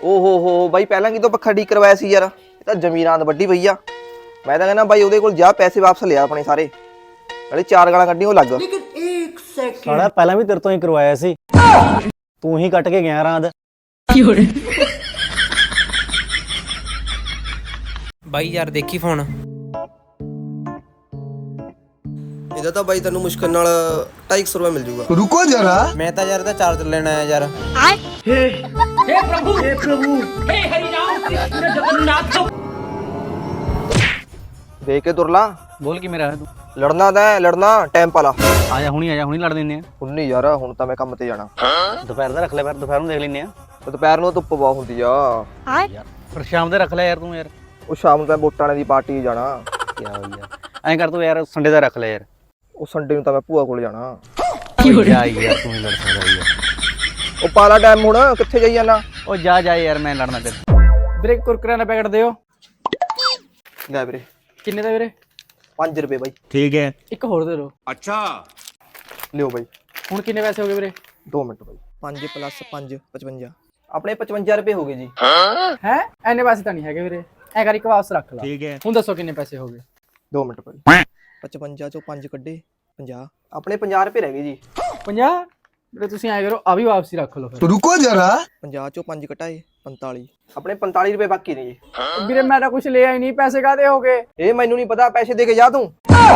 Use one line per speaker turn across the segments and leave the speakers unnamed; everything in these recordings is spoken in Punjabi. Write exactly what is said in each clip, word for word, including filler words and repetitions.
ਓਹੋ ਹੋ ਬਾਈ ਪਹਿਲਾਂ ਕਿਤੋਂ ਪੱਖਾ ਠੀਕ ਕਰਵਾਇਆ ਸੀ ਯਾਰ। ਇਹ ਤਾਂ ਜ਼ਮੀਨਾਂ ਦੀ ਵੱਡੀ ਪਈ ਆ। ਮੈਂ ਤਾਂ ਕਹਿੰਦਾ ਬਾਈ ਉਹਦੇ ਕੋਲ ਜਾ ਪੈਸੇ ਵਾਪਸ ਲਿਆ ਆਪਣੇ ਸਾਰੇ। ਨਾਲੇ ਚਾਰ ਗਾਲਾਂ ਕੱਢੀ ਉਹ ਲੱਗ।
ਸਾਲਾ ਪਹਿਲਾਂ ਵੀ ਤੇਰੇ ਤੋਂ ਹੀ ਕਰਵਾਇਆ ਸੀ, ਤੂੰ ਹੀ ਕੱਟ ਕੇ ਗਿਆ ਰਾਂਦ।
ਬਾਈ ਯਾਰ ਦੇਖੀ ਫੋਨ।
ਇਹਦਾ ਤਾਂ ਬਾਈ ਤੈਨੂੰ ਮੁਸ਼ਕਲ ਨਾਲ ਢਾਈ ਸੌ ਰੁਪਏ ਮਿਲ ਜੂਗਾ।
रुको जरा।
ਮੈਂ ਤਾਂ ਯਾਰ ਇਹਦਾ ਚਾਰਜਰ ਲੈਣਾ ਆਇਆ ਯਾਰ।
ਦੇਖ ਕੇ ਤੁਰ ਲਾ।
ਬੋਲ ਕੀ ਮੇਰਾ ਤੂੰ
ਲੜਨਾ ਤਾਂ ਲੜਨਾ ਟਾਈਮ ਪਾ ਲਾ।
ਆ ਜਾ ਹੁਣੀ, ਆ ਜਾ ਹੁਣੀ ਲੜ ਦਿੰਨੇ ਆ।
ਹੁਣ ਨਹੀਂ ਯਾਰ, ਹੁਣ ਤਾਂ ਮੈਂ ਕੰਮ ਤੇ ਜਾਣਾ।
ਦੁਪਹਿਰ ਦਾ ਰੱਖ ਲੈ, ਫਿਰ ਦੁਪਹਿਰ ਨੂੰ ਦੇਖ ਲੈਨੇ ਆ।
ਦੁਪਹਿਰ ਨੂੰ ਧੁੱਪ ਬਹੁਤ ਹੁੰਦੀ ਆ।
ਯਾਰ ਫਿਰ ਸ਼ਾਮ ਦੇ ਰੱਖ ਲੈ ਯਾਰ ਤੂੰ। ਯਾਰ
ਉਹ ਸ਼ਾਮ ਨੂੰ ਤਾਂ ਵੋਟਾਂ ਵਾਲੇ ਦੀ ਪਾਰਟੀ ਜਾਣਾ।
ਕੀ ਹੋ ਯਾਰ, ਐਂ ਕਰ ਤੂੰ ਯਾਰ ਸੰਡੇ ਦਾ ਰੱਖ ਲੈ ਯਾਰ।
ਉਹ ਸੰਡੇ ਨੂੰ ਤਾਂ ਮੈਂ ਭੂਆ ਕੋਲ ਜਾਣਾ।
ਜਾ ਯਾਰ ਤੂੰ ਹੀ ਲੜ ਸਕਦਾ ਯਾਰ।
ਉਹ ਪਾਲਾ ਟਾਈਮ ਹੁਣ ਕਿੱਥੇ ਜਾਈ ਜਾਣਾ।
ਉਹ ਜਾ ਜਾ ਯਾਰ, ਮੈਂ ਲੜਨਾ ਤੇਰੇ। ਵੀਰੇ ਕੁਰਕਰੇ ਦਾ ਪੈਕਟ ਦਿਓ।
ਲੈ ਵੀਰੇ।
ਕਿੰਨੇ ਦਾ ਵੀਰੇ?
ਪੰਜ ਰੁਪਏ ਬਾਈ।
ਠੀਕ ਹੈ, ਇੱਕ ਹੋਰ ਦੇ ਦਿਓ।
अच्छा।
ਲਿਓ ਬਾਈ।
ਹੁਣ ਕਿੰਨੇ ਪੈਸੇ ਹੋ ਗਏ ਵੀਰੇ?
ਦੋ ਮਿੰਟ ਬਾਈ। ਪੰਜ ਪਲੱਸ ਪੰਜ ਪਚਵੰਜਾ। ਆਪਣੇ ਪਚਵੰਜਾ ਰੁਪਏ ਹੋ ਗਏ ਜੀ।
ਹੈ ਐਨੇ ਪੈਸੇ ਤਾਂ ਨਹੀਂ ਹੈਗੇ ਵੀਰੇ। ਐ ਕਰ ਇੱਕ ਵਾਪਸ ਰੱਖ ਲਾ।
ठीक है।
ਹੁਣ ਦੱਸੋ ਕਿੰਨੇ ਪੈਸੇ ਹੋ ਗਏ?
ਦੋ ਮਿੰਟ ਬਾਈ। ਪਚਵੰਜਾ ਚੋਂ ਪੰਜ ਕੱਢੇ ਪੰਜਾਹ। ਆਪਣੇ ਪੰਜਾਹ ਰੁਪਏ ਰਹਿ ਗਏ ਜੀ।
ਪੰਜਾਹ? ਵੀਰੇ ਤੁਸੀਂ ਐ ਕਰੋ, ਆ ਵੀ ਵਾਪਸੀ ਰੱਖ ਲਓ ਫਿਰ।
रुको जरा।
ਪੰਜਾਹ ਚੋਂ ਪੰਜ ਘਟਾਏ ਪੰਤਾਲੀ। ਆਪਣੇ ਪੰਤਾਲੀ ਰੁਪਏ ਬਾਕੀ ਨੇ ਜੀ।
ਵੀਰੇ ਮੈਂ ਤਾਂ ਕੁਝ ਲਿਆ ਹੀ ਨਹੀਂ, ਪੈਸੇ ਕਾਹਦੇ ਹੋ ਗਏ?
ਇਹ ਮੈਨੂੰ ਨਹੀਂ ਪਤਾ, ਪੈਸੇ ਦੇ ਕੇ ਜਾ ਤੂੰ।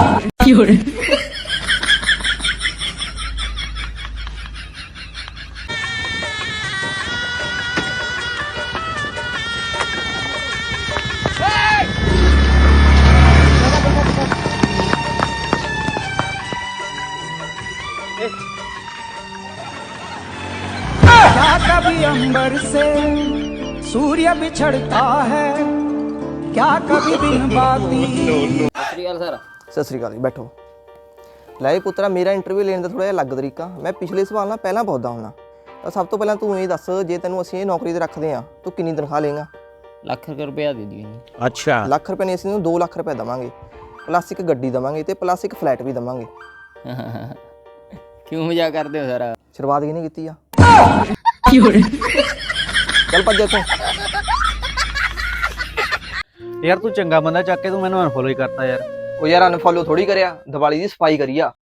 क्या कभी अंबर से सूर्य बिछड़ता है, क्या कभी दिन बाती।
ਸਤਿ ਸ੍ਰੀ ਅਕਾਲ ਜੀ, ਬੈਠੋ। ਲੈ ਪੁੱਤਰਾ, ਮੇਰਾ ਇੰਟਰਵਿਊ ਲੈਣ ਦਾ ਥੋੜਾ ਜਿਹਾ ਅਲੱਗ ਤਰੀਕਾ। ਮੈਂ ਪਿਛਲੇ ਸਵਾਲ ਨਾਲ ਪਹਿਲਾਂ ਪੁੱਛਦਾ ਹੁੰਨਾ। ਤਾਂ ਸਭ ਤੋਂ ਪਹਿਲਾਂ ਤੂੰ ਇਹ ਦੱਸ, ਜੇ ਤੈਨੂੰ ਅਸੀਂ ਇਹ ਨੌਕਰੀ ਤੇ ਰੱਖਦੇ ਆ, ਤੂੰ ਕਿੰਨੀ ਤਨਖਾਹ ਲਏਗਾ?
ਲੱਖ ਰੁਪਇਆ ਦੇ ਦਿਓ।
अच्छा।
ਲੱਖ ਰੁਪਏ ਨਹੀਂ, ਅਸੀਂ ਤੈਨੂੰ ਦੋ ਲੱਖ ਰੁਪਏ ਦੇਵਾਂਗੇ, ਪਲੱਸ ਇੱਕ ਗੱਡੀ ਦੇਵਾਂਗੇ ਤੇ ਪਲੱਸ ਇੱਕ ਫਲੈਟ ਵੀ ਦੇਵਾਂਗੇ।
ਕਿਉਂ ਮਜ਼ਾਕ ਕਰਦੇ ਹੋ ਸਰ?
ਸ਼ੁਰੂਆਤ ਕਿਹਨੇ ਕੀਤੀ ਆ? ਚੱਲ ਭੱਜ ਇੱਥੋਂ।
ਯਾਰ ਤੂੰ ਚੰਗਾ ਬੰਦਾ ਚੱਕ ਕੇ ਤੂੰ ਮੈਨੂੰ ਅਨਫੋਲੋ ਹੀ ਕਰਤਾ ਯਾਰ।
ਉਹ ਯਾਰ ਅਨਫੋਲੋ ਥੋੜੀ ਕਰਿਆ, ਦੀਵਾਲੀ ਦੀ ਸਫਾਈ ਕਰੀ ਆ।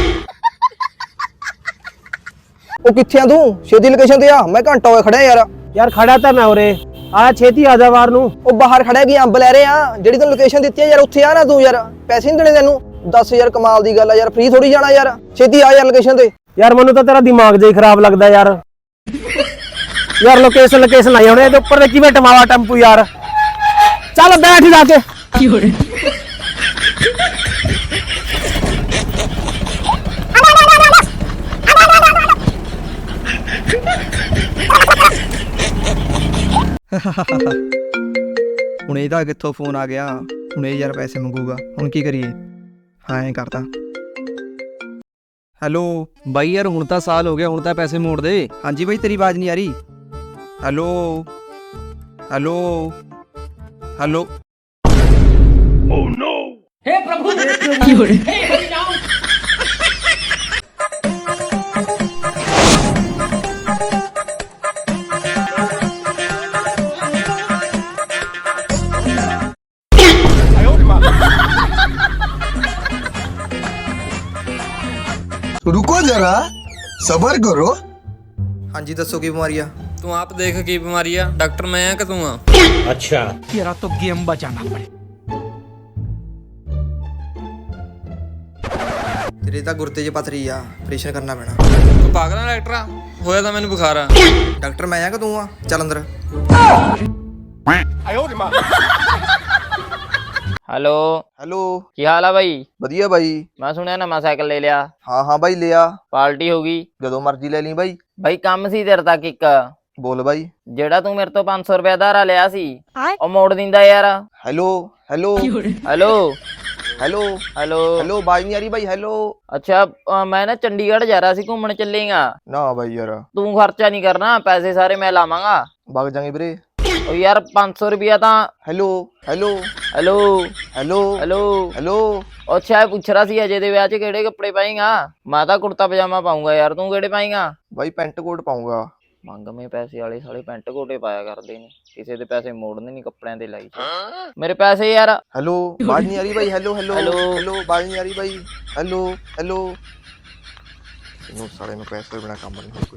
ਉਹ ਕਿੱਥੇ ਆ ਤੂੰ? ਛੇਤੀ ਲੋਕੇਸ਼ਨ ਤੇ ਆ, ਮੈਂ ਘੰਟਾ ਹੋਇਆ ਖੜਿਆ ਯਾਰ।
ਯਾਰ ਖੜਾ ਤਾਂ ਮੈਂ ਉਰੇ ਆ, ਛੇਤੀ ਆ ਜਾ ਬਾਹਰ ਨੂੰ।
ਉਹ ਬਾਹਰ ਖੜਿਆ ਕੀ ਅੰਬ ਲੈ ਰਹੇ ਆ? ਜਿਹੜੀ ਤੈਨੂੰ ਲੋਕੇਸ਼ਨ ਦਿੱਤੀ ਆ ਯਾਰ, ਉੱਥੇ ਆ ਨਾ ਤੂੰ। ਯਾਰ ਪੈਸੇ ਨਹੀਂ ਦੇਣੇ ਤੈਨੂੰ? ਦਸ ਹਜ਼ਾਰ ਕਮਾਲ ਦੀ ਗੱਲ ਆ ਯਾਰ, ਫ੍ਰੀ ਥੋੜੀ ਜਾਣਾ ਯਾਰ। ਛੇਤੀ ਆ ਯਾਰ ਲੋਕੇਸ਼ਨ ਤੇ।
ਯਾਰ ਮੈਨੂੰ ਤਾਂ ਤੇਰਾ ਦਿਮਾਗ ਜਿਹਾ ਹੀ ਖਰਾਬ ਲੱਗਦਾ ਯਾਰ। ਯਾਰ ਲੋਕੇਸ਼ਨ ਲੋਕੇਸ਼ਨ ਆਈ ਹੁਣੇ, ਇਹਦੇ ਉੱਪਰ ਦੇ ਕਿਵੇਂ ਟਮਾਵਾ ਟੈਂਪੂ ਯਾਰ। ਚੱਲ ਬੈਠ ਜਾ ਕੇ।
ਹੁਣ ਇਹਦਾ ਕਿੱਥੋਂ ਫੋਨ ਆ ਗਿਆ? ਹੁਣ ਇਹ ਯਾਰ ਪੈਸੇ ਮੰਗੂਗਾ, ਹੁਣ ਕੀ ਕਰੀਏ? ਹਾਂ ਐਂ ਕਰਦਾ। ਹੈਲੋ
ਬਾਈ ਯਾਰ ਹੁਣ ਤਾਂ ਸਾਲ ਹੋ ਗਿਆ, ਹੁਣ ਤਾਂ ਪੈਸੇ ਮੋੜ ਦੇ।
ਹਾਂਜੀ ਬਾਈ, ਤੇਰੀ ਆਵਾਜ਼ ਨਹੀਂ ਆ ਰਹੀ। Hello hello hello. Oh no. हे प्रभु हे प्रभु हे हरि राम।
रुको जरा, सबर करो।
ਹਾਂਜੀ ਦੱਸੋ ਕੀ ਬਿਮਾਰੀ ਆ?
ਤੂੰ ਆਪ ਦੇਖ ਕੀ ਬਿਮਾਰੀ ਆ, ਡਾਕਟਰ ਮੈਂ ਆ ਕਿ ਤੂੰ ਆ?
अच्छा।
तेरा तो गेम बचाना पड़े।
ਤੇਰੇ ਤਾਂ ਗੁਰਦੇ 'ਚ ਪਥਰੀ ਆ, ਆਪਰੇਸ਼ਨ ਕਰਨਾ ਪੈਣਾ।
ਤੂੰ ਪਾਗਲ ਆ ਡਾਕਟਰ ਆ? ਹੋਇਆ ਤਾਂ ਮੈਨੂੰ ਬੁਖਾਰ ਆ।
ਡਾਕਟਰ ਮੈਂ ਆ ਕਿ ਤੂੰ ਆ? ਚੱਲ ਅੰਦਰ।
ਹੈਲੋ,
ਹੈਲੋ
ਕੀ ਹਾਲ ਆ ਬਾਈ?
ਵਧੀਆ ਬਾਈ।
ਮੈਂ ਸੁਣਿਆ ਨਵਾਂ ਸਾਈਕਲ ਲੈ ਲਿਆ।
ਹਾਂ ਹਾਂ ਬਾਈ ਲਿਆ।
ਪਾਰਟੀ ਹੋ ਗਈ?
ਜਦੋਂ ਮਰਜ਼ੀ ਲੈ ਲਈ ਬਾਈ।
ਬਾਈ ਕੰਮ ਸੀ ਤੇਰੇ ਤੱਕ ਇੱਕ।
ਬੋਲ ਬਾਈ।
ਜਿਹੜਾ ਤੂੰ ਮੇਰੇ ਤੋਂ ਪੰਜ ਸੌ ਰੁਪਇਆ ਧਾਰਾ ਲਿਆ ਸੀ, ਉਹ ਮੋੜ ਦਿੰਦਾ ਯਾਰ।
Hello hello
hello
hello
hello
hello, ਬਾਈ ਨਹੀਂ ਆ ਰਹੀ ਬਾਈ। ਹੈਲੋ।
ਅੱਛਾ, ਅ, ਮੈਂ ਨਾ ਚੰਡੀਗੜ੍ਹ ਜਾ ਰਿਹਾ ਸੀ, ਘੁੰਮਣ ਚੱਲੇਗਾ?
ਨਾ ਬਾਈ ਯਾਰ,
ਤੂੰ ਖਰਚਾ ਨਹੀਂ ਕਰਨਾ, ਪੈਸੇ ਸਾਰੇ ਮੈਂ ਲਾਵਾਂਗਾ।
ਵਗ ਜਾਗੇ ਵੀਰੇ।
ਉਹ ਯਾਰ ਪੰਜ ਸੌ ਰੁਪਇਆ ਤਾਂ।
Hello hello
hello
hello
hello
hello.
ਅੱਛਾ, ਇਹ ਪੁੱਛ ਰਿਹਾ ਸੀ ਅਜੇ ਦੇ ਵਿਆਹ 'ਚ ਕਿਹੜੇ ਕੱਪੜੇ ਪਾਏਗਾ? ਮੈਂ ਤਾਂ ਕੁੜਤਾ ਪਜਾਮਾ ਪਾਉਂਗਾ ਯਾਰ, ਤੂੰ ਕਿਹੜੇ ਪਾਏਗਾ?
ਬਾਈ ਪੈਂਟ ਕੋਟ ਪਾਉਂਗਾ।
ਮੰਗਵੇਂ ਪੈਸੇ ਵਾਲੇ ਸਾਲੇ ਪੈਂਟ ਕੋਟੇ ਪਾਇਆ ਕਰਦੇ ਨੇ, ਕਿਸੇ ਦੇ ਪੈਸੇ ਮੋੜਨੇ ਨਹੀਂ ਕੱਪੜਿਆਂ ਤੇ ਲਾਈ ਮੇਰੇ ਪੈਸੇ ਯਾਰ।
ਹੈਲੋ ਬਾਜ ਨਹੀਂ ਆ ਰਹੀ ਬਾਈ। Hello hello
hello.
ਹੈਲੋ ਬਾਜ ਨਹੀਂ ਆ ਰਹੀ ਬਾਈ। ਹੈਲੋ ਹੈਲੋ ਇਹਨੂੰ ਸਾਲੇ ਨੂੰ ਪੈਸੇ ਬਿਨਾ ਕੰਮ ਨਹੀਂ ਹੋਣਾ ਕੋਈ।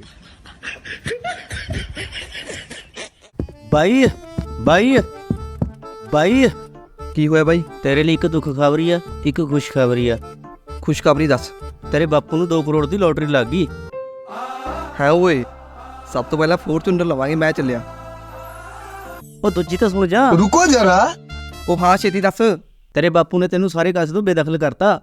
ਬਾਈ ਬਾਈ ਬਾਈ
ਕੀ ਹੋਇਆ ਬਾਈ?
ਤੇਰੇ ਲਈ ਇੱਕ ਦੁੱਖ ਖਬਰੀ ਆ, ਇੱਕ ਖੁਸ਼ ਖਬਰੀ ਆ।
ਖੁਸ਼ਖਬਰੀ ਦੱਸ।
ਤੇਰੇ ਬਾਪੂ ਨੂੰ ਦੋ ਕਰੋੜ ਦੀ ਲੋਟਰੀ ਲੱਗ ਗਈ।
ਹੈ ਓਏ, ਸਭ ਤੋਂ ਪਹਿਲਾਂ ਫੋਰਚੂਨਰ ਲਵਾਂਗੇ। ਮੈਂ ਚੱਲਿਆ।
ਉਹ ਦੂਜੀ ਤਾਂ ਸੁਣ ਜਾ।
रुको जरा
ਉਹ ਹਾਂ ਛੇਤੀ ਦੱਸ।
ਤੇਰੇ ਬਾਪੂ ਨੇ ਤੈਨੂੰ ਸਾਰੇ ਕਾਸੇ ਤੋਂ ਬੇਦਖਲ ਕਰਤਾ।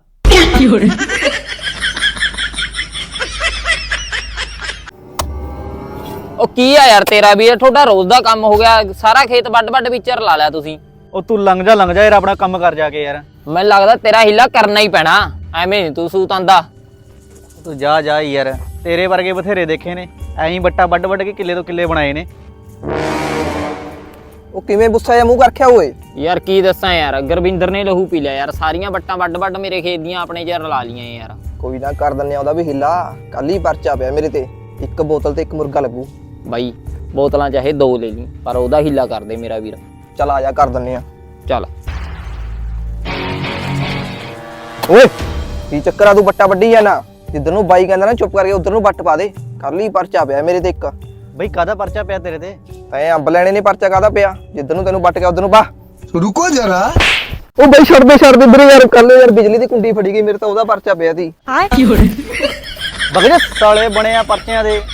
ਉਹ ਕੀ ਆ ਯਾਰ ਤੇਰਾ ਵੀ, ਤੁਹਾਡਾ ਰੋਜ਼ ਦਾ ਕੰਮ ਹੋ ਗਿਆ, ਸਾਰਾ ਖੇਤ ਵੱਡ ਵੱਡ ਵਿਚਰ ਲਾ ਲਿਆ ਤੁਸੀਂ।
ਉਹ ਤੂੰ ਲੰਘ ਜਾ ਲੰਘ ਜਾ ਯਾਰ, ਆਪਣਾ ਕੰਮ ਕਰ ਜਾ ਕੇ ਯਾਰ।
ਮੈਨੂੰ ਲੱਗਦਾ ਤੇਰਾ ਹੀਲਾ ਕਰਨਾ ਹੀ ਪੈਣਾ, ਐਵੇਂ ਨੀ ਤੂੰ ਸੂਤ ਆਂਦਾ।
ਤੂੰ ਜਾ ਜਾ ਯਾਰ, ਤੇਰੇ ਵਰਗੇ ਬਥੇਰੇ ਦੇਖੇ ਨੇ, ਐਂ ਹੀ ਬੱਟਾ ਵੱਡ ਵੱਡ ਕੇ ਕਿੱਲੇ ਤੋਂ ਕਿੱਲੇ ਬਣਾਏ ਨੇ।
ਉਹ ਕਿਵੇਂ ਗੁੱਸਾ ਜਿਹਾ ਮੂੰਹ ਕਰ ਰੱਖਿਆ ਓਏ?
ਯਾਰ ਕੀ ਦੱਸਾਂ ਯਾਰ, ਗੁਰਵਿੰਦਰ ਨੇ ਲਹੂ ਪੀ ਲਿਆ ਯਾਰ, ਸਾਰੀਆਂ ਬੱਟਾਂ ਵੱਡ ਵੱਡ ਮੇਰੇ ਖੇਤ ਦੀਆਂ ਆਪਣੇ ਚ ਰਲਾ ਲੀਆਂ ਯਾਰ।
ਕੋਈ ਨਾ ਕਰ ਦਿੰਨੇ ਆ ਉਹਦਾ ਵੀ ਹਿੱਲਾ। ਕੱਲ ਹੀ ਪਰਚਾ ਪਿਆ ਮੇਰੇ ਤੇ, ਇੱਕ ਬੋਤਲ ਤੇ ਇੱਕ ਮੁਰਗਾ ਲੱਗੂ।
ਬਾਈ ਬੋਤਲਾਂ ਚਾਹੇ ਦੋ ਲੈ ਲਈ, ਪਰ ਉਹਦਾ ਹੀਲਾ ਕਰ ਦੇ ਮੇਰਾ ਵੀਰ।
ਚੱਲ ਆ ਜਾ ਕਰ ਦਿੰਨੇ ਆ।
ਚੱਲ।
ਓਏ ਕੀ ਚੱਕਰ ਆ, ਤੂੰ ਬੱਟਾ ਵੱਢੀ ਜਾਣਾ? ਜਿੱਧਰ ਨੂੰ ਬਾਈ ਕਹਿੰਦਾ ਨਾ ਚੁੱਪ ਕਰਕੇ ਉਧਰ ਨੂੰ ਵੱਟ ਪਾ ਦੇ। ਕੱਲ ਹੀ ਪਰਚਾ ਪਿਆ ਮੇਰੇ ਤੇ ਇੱਕ।
ਬਈ ਕਾਹਦਾ ਪਰਚਾ ਪਿਆ ਤੇਰੇ ਤੇ?
ਤੈਂ ਅੰਬ ਲੈਣੇ ਨੇ, ਪਰਚਾ ਕਾਹਦਾ ਪਿਆ? ਜਿੱਧਰ ਨੂੰ ਤੈਨੂੰ ਵੱਟ ਗਿਆ ਉਧਰ ਨੂੰ ਬਾ।
रुको जरा
ਉਹ ਬਾਈ ਛੱਡ ਦੇ ਛੱਡ ਦੇ ਵੀਰੇ ਯਾਰ, ਕੱਲ ਯਾਰ ਬਿਜਲੀ ਦੀ ਕੁੰਡੀ ਫੜੀ ਗਈ ਮੇਰੇ ਤਾਂ, ਉਹਦਾ ਪਰਚਾ ਪਿਆ ਸੀ।
ਬਗੜੇ ਸਾਲੇ ਬਣੇ ਆ ਪਰਚਿਆਂ ਦੇ।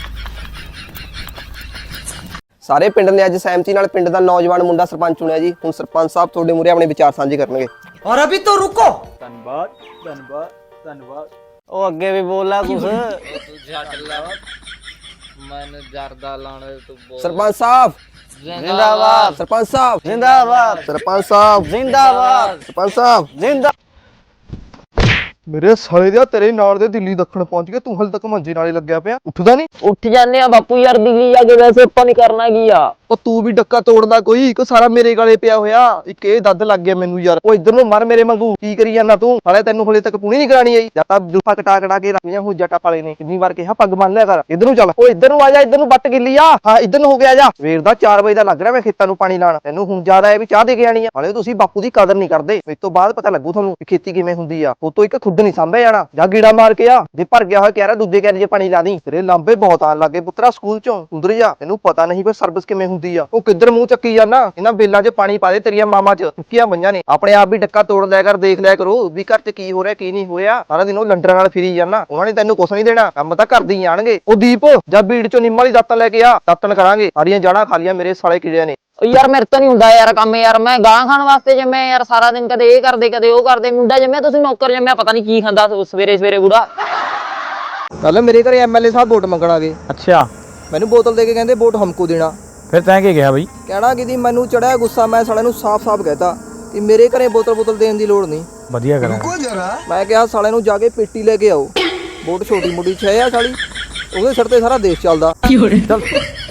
ਸਾਰੇ ਪਿੰਡ ਨੇ ਅੱਜ ਸਹਿਮਤੀ ਨਾਲ ਪਿੰਡ ਦਾ ਨੌਜਵਾਨ ਮੁੰਡਾ ਸਰਪੰਚ ਚੁਣਿਆ ਜੀ। ਹੁਣ ਸਰਪੰਚ ਸਾਹਿਬ ਤੁਹਾਡੇ ਮੂਹਰੇ ਆਪਣੇ ਵਿਚਾਰ ਸਾਂਝੇ ਕਰਨਗੇ।
और अभी तो रुको।
ਧੰਨਵਾਦ ਧੰਨਵਾਦ ਧੰਨਵਾਦ। ਉਹ ਅੱਗੇ ਵੀ ਬੋਲਾ ਕੁਛ।
ਤੂੰ ਛੱਡ ਲਾ ਮੈਨੂੰ ਜਰਦਾ ਲਾਣ ਤੂੰ ਬੋਲ।
ਸਰਪੰਚ ਸਾਹਿਬ
ਜ਼ਿੰਦਾਬਾਦ।
ਸਰਪੰਚ ਸਾਹਿਬ
ਜ਼ਿੰਦਾਬਾਦ।
ਸਰਪੰਚ ਸਾਹਿਬ
ਜ਼ਿੰਦਾਬਾਦ।
ਸਰਪੰਚ ਸਾਹਿਬ
ਜ਼ਿੰਦਾ
ਮੇਰੇ ਸਾਲੇ ਦਾ ਤੇਰੇ ਨਾਲ ਦੇ ਦਿੱਲੀ ਦੱਖਣ ਪਹੁੰਚ ਗਿਆ, ਤੂੰ ਹਲ ਤੱਕ ਮੰਜੇ ਨਾਲੇ ਲੱਗਿਆ ਪਿਆ, ਉੱਠਦਾ ਨਹੀਂ?
ਉੱਠ ਜਾਂਦੇ ਆ ਬਾਪੂ ਯਾਰ, ਦਿੱਲੀ ਜਾ ਕੇ ਵੈਸੇ ਆਪਾਂ ਨਹੀਂ ਕਰਨਾ ਕੀ ਆ।
ਉਹ ਤੂੰ ਵੀ ਡੱਕਾ ਤੋੜਦਾ ਕੋਈ ਕੋ, ਸਾਰਾ ਮੇਰੇ ਗਾਲੇ ਪਿਆ ਹੋਇਆ। ਇੱਕ ਇਹ ਦੱਦ ਲੱਗ ਗਿਆ ਮੈਨੂੰ ਯਾਰ। ਉਹ ਇੱਧਰ ਨੂੰ ਮਰ ਮੇਰੇ ਵਾਂਗੂ, ਕੀ ਕਰੀ ਜਾਂਦਾ ਤੂੰ? ਸਾਲੇ ਤੈਨੂੰ ਹਲੇ ਤੱਕ ਪੂਣੀ ਨਹੀਂ ਕਰਾਣੀ ਆਈ? ਜਾਂ ਤਾਂ ਜੁਲਫਾ ਕਟਾ ਕਟਾ ਕੇ ਰੱਖੀਆਂ ਹੋ ਜੱਟਾ ਪਾਲੇ ਨੇ, ਕਿੰਨੀ ਵਾਰ ਕਿਹਾ ਪੱਗ ਬੰਨ ਲਿਆ ਕਰ। ਇੱਧਰ ਨੂੰ ਚੱਲ, ਉਹ ਇੱਧਰ ਨੂੰ ਆ ਜਾ, ਇੱਧਰ ਨੂੰ ਵੱਟ ਗਿੱਲੀ ਆ। ਹਾਂ ਇੱਧਰ ਨੂੰ ਹੋ ਗਿਆ ਜਾ। ਸਵੇਰ ਦਾ ਚਾਰ ਵਜੇ ਦਾ ਲੱਗ ਰਿਹਾ ਮੈਂ ਖੇਤਾਂ ਨੂੰ ਪਾਣੀ ਲਾਣ, ਤੈਨੂੰ ਹੁਣ ਜ਼ਿਆਦਾ ਹੈ ਵੀ ਚਾਹ ਦੇ ਕੇ ਆਣੀ ਆ। ਹਾਲੇ ਤੁਸੀਂ ਬਾਪੂ ਦੀ ਕਦਰ ਨਹੀਂ ਕਰਦੇ। ਇਸ ਤੋਂ ਬਾਅਦ ਪਤਾ ਲੱਗੂ ਤੁਹਾਨੂੰ ਖੇਤੀ ਕਿਵੇਂ ਹੁੰਦੀ ਆ। ਉਹ ਤੋਂ ਇੱਕ ਖੁੱਦ ਨਹੀਂ ਸਾਂਭਿਆ ਜਾਣਾ। ਜਾ ਗੀੜਾ ਮਾਰ ਕੇ ਆ, ਜੇ ਭਰ ਗਿਆ ਹੋਇਆ ਕਹਿ ਰਿਹਾ ਦੂਜੇ ਕਹਿ ਜੇ ਪਾਣੀ ਲਾ ਦੀ। ਤੇਰੇ ਲਾਂਬੇ ਬਹੁਤ ਆਣ ਲੱਗੇ ਪੁੱਤਰਾ ਸਕੂਲ ਚੋਂ, ਉਧਰ ਜਾ। ਤੈਨੂੰ ਪਤਾ ਨਹੀਂ ਵੀ ਸਰਵਿਸ ਕਿਵੇਂ ਹੁੰਦੀ ਆ। ਉਹ ਕਿੱਧਰ ਮੂੰਹ ਚੱਕੀ ਜਾਂਦਾ? ਇਹਨਾਂ ਬੇਲਾਂ 'ਚ ਪਾਣੀ ਪਾ ਦੇ, ਤੇਰੀਆਂ ਮਾਮਾ 'ਚ ਚੁੱਕੀਆਂ ਪਈਆਂ ਨੇ। ਆਪਣੇ ਆਪ ਵੀ ਡੱਕਾ ਤੋੜ ਲਿਆ ਕਰ, ਦੇਖ ਲਿਆ ਕਰੋ ਵੀ ਘਰ 'ਚ ਕੀ ਹੋ ਰਿਹਾ ਕੀ ਨਹੀਂ ਹੋਇਆ। ਸਾਰਾ ਦਿਨ ਉਹ ਲੰਡਰਾਂ ਨਾਲ ਫਿਰੀ ਜਾਂਦਾ, ਉਹਨਾਂ ਨੇ ਤੈਨੂੰ ਕੁਛ ਨਹੀਂ ਦੇਣਾ, ਕੰਮ ਤਾਂ ਕਰਦੇ ਹੀ ਆਣਗੇ। ਉਹ ਦੀਪ ਜਾਂ ਬੀੜ 'ਚੋਂ ਨਿੰਮ ਵਾਲੀ ਦਾਤਾਂ ਲੈ ਕੇ ਆ, ਦਾਤਣ ਕਰਾਂਗੇ। ਸਾਰੀਆਂ ਜਾੜਾਂ ਖਾ ਲੀਆਂ ਮੇਰੇ ਸਾਲੇ ਕੀੜਿਆਂ ਨੇ।
ਯਾਰ ਮੇਰੇ ਤੋਂ ਨਹੀਂ ਹੁੰਦਾ ਯਾਰ ਕੰਮ ਯਾਰ, ਮੈਂ ਗਾਂ ਖਾਣ ਵਾਸਤੇ ਜੰਮਿਆ ਯਾਰ, ਸਾਰਾ ਦਿਨ ਕਦੇ ਇਹ ਕਰਦੇ ਕਦੇ ਉਹ ਕਰਦੇ। ਮੁੰਡਾ ਜੰਮਿਆ ਤੁਸੀਂ ਨੌਕਰ ਜੰਮਿਆ, ਪਤਾ ਨਹੀਂ ਕੀ ਖਾਂਦਾ ਸਵੇਰੇ ਸਵੇਰੇ ਬੁੜਾ।
ਕੱਲ ਮੇਰੇ ਘਰੇ ਐਮਐਲਏ ਸਾਹਿਬ ਵੋਟ ਮੰਗਣ ਆ ਗਏ।
ਅੱਛਾ,
ਮੈਨੂੰ ਬੋਤਲ ਦੇ ਕੇ ਕਹਿੰਦੇ ਵੋਟ ਹਮਕੋ ਦੇਣਾ।
ਫਿਰ ਤੈਂ ਕੀ ਕਿਹਾ ਬਈ?
ਕਹਿਣਾ ਕਿ ਦੀ ਮੈਨੂੰ ਚੜਿਆ ਗੁੱਸਾ, ਮੈਂ ਸਾਲਿਆਂ ਨੂੰ ਸਾਫ਼-ਸਾਫ਼ ਕਹਿਤਾ ਕਿ ਮੇਰੇ ਘਰੇ ਬੋਤਲ ਬੋਤਲ ਦੇਣ ਦੀ ਲੋੜ ਨਹੀਂ।
ਵਧੀਆ ਕਰਾਂ।
रुको जरा
ਮੈਂ ਕਿਹਾ ਸਾਲਿਆਂ ਨੂੰ ਜਾ ਕੇ ਪੇਟੀ ਲੈ ਕੇ ਆਓ, ਵੋਟ ਛੋਟੀ ਮੋਟੀ ਛੇ ਆ ਸਾਲੀ, ਉਹਦੇ ਸਿਰ ਤੇ ਸਾਰਾ ਦੇਸ਼ ਚੱਲਦਾ।
ਚੱਲ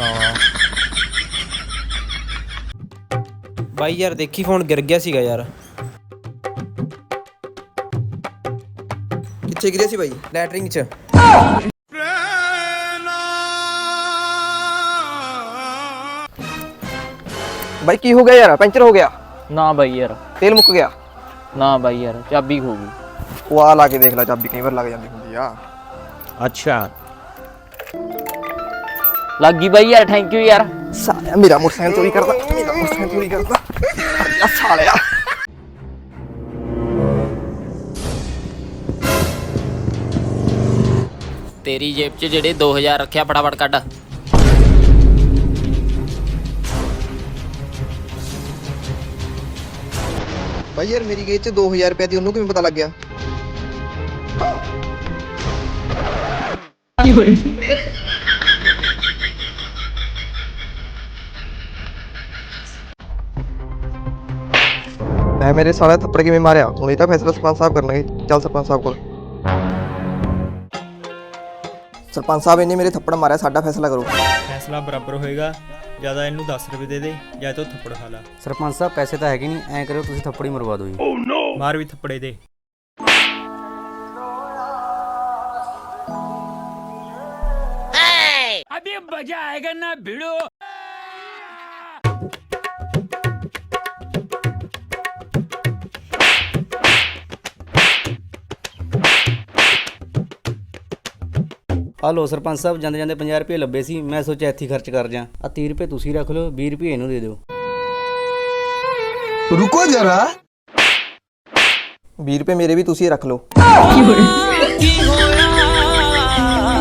ਬਾਈ ਯਾਰ ਦੇਖੀ ਫੋਨ ਗਿਰ ਗਿਆ ਸੀਗਾ ਯਾਰ।
ਕਿੱਥੇ ਗਿਰਿਆ ਸੀ ਬਾਈ?
ਲੈਟਰਿੰਗ 'ਚ।
ਬਾਈ ਕੀ ਹੋ ਗਿਆ ਯਾਰ? ਪੈਂਚਰ ਹੋ ਗਿਆ?
ਨਾ ਬਾਈ ਯਾਰ,
ਤੇਲ ਮੁੱਕ ਗਿਆ?
ਨਾ ਬਾਈ ਯਾਰ, ਚਾਬੀ ਖੋ ਗਈ।
ਉਹ ਆ ਲਾ ਕੇ ਦੇਖ ਲੈ, ਚਾਬੀ ਕਈ ਵਾਰ ਲੱਗ ਜਾਂਦੀ ਹੁੰਦੀ ਆ।
ਅੱਛਾ,
ਲੱਗ ਗਈ ਬਾਈ ਯਾਰ, ਥੈਂਕ ਯੂ ਯਾਰ।
ਸਾਲਿਆ ਮੇਰਾ ਮੋਟਰਸਾਈਕਲ ਚੋਰੀ ਕਰਦਾ, ਮੇਰਾ ਮੋਟਰਸਾਈਕਲ ਚੋਰੀ ਕਰਦਾ ਆ ਸਾਲਿਆ।
ਤੇਰੀ ਜੇਬ 'ਚ ਜਿਹੜੇ ਦੋ ਹਜ਼ਾਰ ਰੱਖਿਆ ਫਟਾਫਟ ਕੱਢ।
ਬਾਈ ਯਾਰ ਮੇਰੀ ਗੇਜ 'ਚ ਦੋ ਹਜ਼ਾਰ ਰੁਪਏ ਦੀ, ਉਹਨੂੰ ਕਿਵੇਂ ਪਤਾ ਲੱਗ ਗਿਆ? ਮੈਂ ਮੇਰੇ ਸਾਲੇ ਥੱਪੜ ਕਿਵੇਂ ਮਾਰਿਆ? ਹੁਣ ਇਹ ਤਾਂ ਫੈਸਲਾ ਸਰਪੰਚ ਸਾਹਿਬ ਕਰਨਗੇ। ਚੱਲ ਸਰਪੰਚ ਸਾਹਿਬ ਕੋਲ। ਸਰਪੰਚ ਸਾਹਿਬ ਇਹਨੇ ਮੇਰੇ ਥੱਪੜ ਮਾਰਿਆ, ਸਾਡਾ ਫੈਸਲਾ ਕਰੋ।
ਫੈਸਲਾ ਬਰਾਬਰ ਹੋਏਗਾ, ਜਿਆਦਾ ਇਹਨੂੰ ਦਸ ਰੁਪਏ ਦੇ ਦੇ ਜਾਂ ਤੋ ਥੱਪੜ ਖਾ ਲਾ।
ਸਰਪੰਚ ਸਾਹਿਬ ਪੈਸੇ ਤਾਂ ਹੈਗੇ ਨਹੀਂ, ਐਂ ਕਰਿਓ ਤੁਸੀਂ ਥੱਪੜੀ ਮਰਵਾ ਦਿਓ ਜੀ।
ਮਾਰ ਵੀ ਥੱਪੜੇ ਦੇ।
अभी मजा आएगा ना भिड़ो।
ਆ ਲੋ ਸਰਪੰਚ ਸਾਹਿਬ, ਜਾਂਦੇ ਜਾਂਦੇ ਪੰਜਾਹ ਰੁਪਏ ਲੱਭੇ ਸੀ, ਮੈਂ ਸੋਚਿਆ ਇੱਥੇ ਹੀ ਖਰਚ ਕਰ ਜਾ। ਆ ਤੀਹ ਰੁਪਏ ਤੁਸੀਂ ਰੱਖ ਲਓ, ਵੀਹ ਰੁਪਏ ਇਹਨੂੰ ਦੇ ਦਿਓ।
रुको जरा।
ਵੀਹ ਰੁਪਏ ਮੇਰੇ ਵੀ ਤੁਸੀਂ ਰੱਖ ਲਓ।